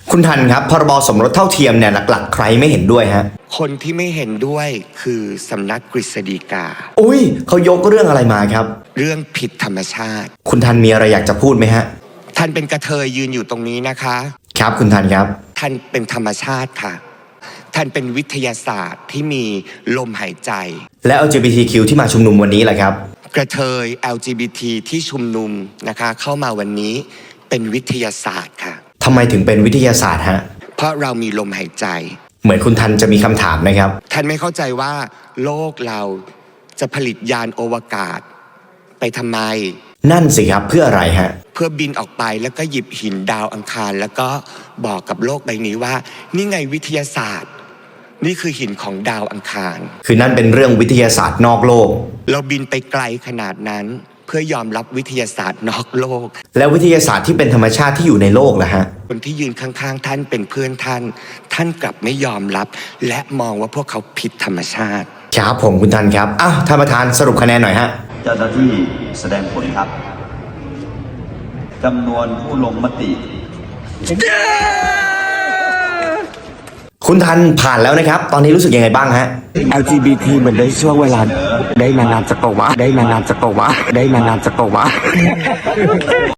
คุณทันครับพรบสมรสเท่าเทียมเนี่ยหลักๆใครไม่เห็นด้วยฮะคนที่ไม่เห็นด้วยคือสำนักกฤษฎีกาอุ้ยเขายกเรื่องอะไรมาครับเรื่องผิดธรรมชาติคุณทันมีอะไรอยากจะพูดไหมฮะท่านเป็นกระเทยยืนอยู่ตรงนี้นะคะครับคุณทันครับท่านเป็นธรรมชาติค่ะท่านเป็นวิทยาศาสตร์ที่มีลมหายใจและ LGBTQ ที่มาชุมนุมวันนี้แหละครับกระเทย LGBT ที่ชุมนุมนะคะเข้ามาวันนี้เป็นวิทยาศาสตร์ค่ะทำไมถึงเป็นวิทยาศาสตร์ฮะเพราะเรามีลมหายใจเหมือนคุณทันจะมีคำถามนะครับท่านไม่เข้าใจว่าโลกเราจะผลิตยานอวกาศไปทำไมนั่นสิครับเพื่ออะไรฮะเพื่อบินออกไปแล้วก็หยิบหินดาวอังคารแล้วก็บอกกับโลกใบนี้ว่านี่ไงวิทยาศาสตร์นี่คือหินของดาวอังคารคือนั่นเป็นเรื่องวิทยาศาสตร์นอกโลกเราบินไปไกลขนาดนั้นเพื่อยอมรับวิทยาศาสตร์นอกโลกแล้ววิทยาศาสตร์ที่เป็นธรรมชาติที่อยู่ในโลกล่ะฮะคนที่ยืนข้างๆท่านเป็นเพื่อนท่านกลับไม่ยอมรับและมองว่าพวกเขาผิดธรรมชาติครับผมคุณทันครับอ้าวท่านประธานสรุปคะแนนหน่อยฮะเจ้าหน้าที่แสดงผลครับจำนวนผู้ลงมติคุณทันผ่านแล้วนะครับตอนนี้รู้สึกยังไงบ้างฮะ LGBT มันได้ช่วงเวลาได้นานๆจักรวาล